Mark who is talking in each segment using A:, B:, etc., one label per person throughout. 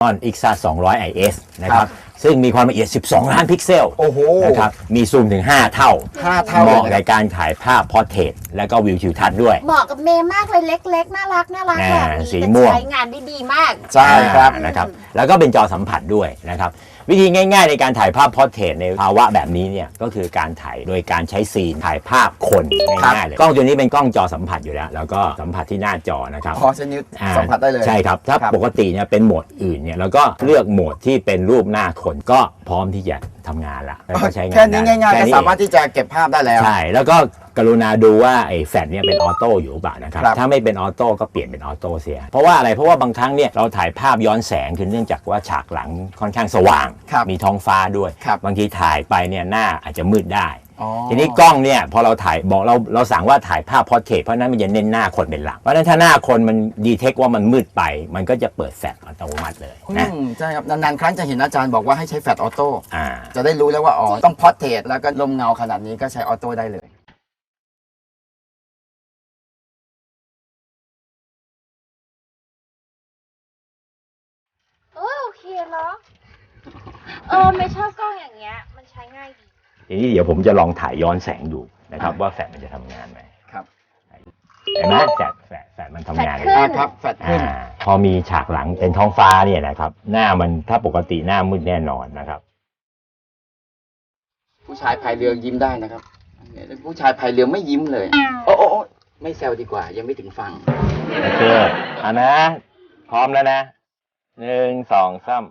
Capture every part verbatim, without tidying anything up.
A: Canon เอ็กซ์ สองร้อย ไอ เอส นะครับซึ่งมีความละเอียดสิบสองล้านพิกเซลนะครับมีซูมถึงห้าเท่า
B: ห้าเท่า
A: เหมาะกับการถ่ายภาพพอร์เทรตแล้วก็วิวทิวทัศน์ด้วย
C: เหมาะกับเมย์มากเลยเล็กๆน่ารักน่ารักแบบนี้
A: สีม่วง
C: ใช้งานได้ดีมาก
B: ใช่ครับ
A: นะครับแล้วก็เป็นจอสัมผัสด้วยนะครับวิธีง่ายๆในการถ่ายภาพพอร์เทรตในภาวะแบบนี้เนี่ยก็คือการถ่ายโดยการใช้ซีนถ่ายภาพคนง่ายๆเลยกล้องตัวนี้เป็นกล้องจอสัมผัสอยู่แล้วแล้วก็สัมผัสที่หน้าจอนะครับ
B: พอใช้นิ้วสัมผัสได้เลย
A: ใช่ครับถ้าปกติเนี่ยเป็นโหมดอื่นเนี่ยแล้วก็เลือกโหมดที่เป็นรูปหน้าคนก็พร้อมที่จะทำงานละแล้วก็ใช้งาน
B: แค่นี้ง่ายๆก็สามารถที่จะเก็บภาพได้แล้ว
A: ใช่แล้วก็กรุณาดูว่าไอ้แฟลชเนี่ยเป็นออโต้อยู่เปล่านะครับถ้าไม่เป็นออโต้ก็เปลี่ยนเป็นออโต้เสียเพราะว่าอะไรเพราะว่าบางครั้งเนี่ยเราถ่ายภาพย้อนแสงคือเนื่องจากว่าฉากหลังค่อนข้างสว่างมีท้องฟ้าด้วยบางทีถ่ายไปเนี่ยหน้าอาจจะมืดได้ทีนี้กล้องเนี่ยพอเราถ่ายบอกเราเราสั่งว่าถ่ายภาพพอร์เทรตเพราะนั้นมันจะเน้นหน้าคนเป็นหลักเพราะนั้นถ้าหน้าคนมันดีเทคว่ามันมืดไปมันก็จะเปิดแฟลชอัตโนมัติเลยนะ
B: ใช่ครับนานๆครั้งจะเห็นอาจารย์บอกว่าให้ใช้แฟลชออโต้จะได้รู้แล้วว่าอ๋อต้องพอร์เทรตแล้วก็ลมเงาขนาดนี้ก็ใช้ออโต้ได้เลย
C: โอเคเนาะเออไม่ชอบกล้องอย่างเงี้ยมันใช้ง่ายดี
A: ทีนี้เดี๋ยวผมจะลองถ่ายย้อนแสงดูนะครับว่าแฟลชมันจะทำงานไหม
B: ครับ
A: เห็นไหมแฟลชแฟลชแฟลชมันทำงานเลย
B: ครับแฟลชขึ้น
A: พอมีฉากหลังเป็นท้องฟ้าเนี่ยนะครับหน้ามันถ้าปกติหน้ามืดแน่นอนนะครับ
B: ผู้ชายพายเรือยิ้มได้นะครับผู้ชายพายเรือไม่ยิ้มเลยโอ้โอ้ไม่แซวดีกว่ายังไม่ถึงฟัง
A: โอเคอ่ะนะพร้อมแล้วนะหนึ่งสองสาม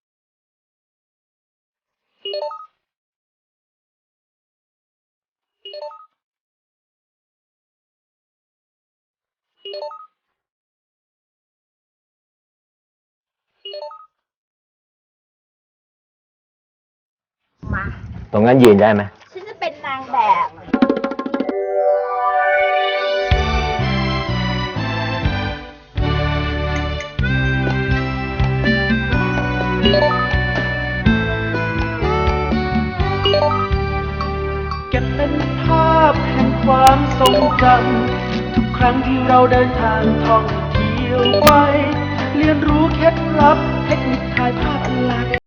C: มา
A: ตรงนั้นยืนได้ไหม
C: ฉันจะเป็นนางแบบ
D: เก็บเป็นภาพแห่งความทรงจำทุกครั้งที่เราเดินทางท่องเที่ยวไปเรียนรู้เคล็ดลับเทคนิคถ่ายภาพอันหลาก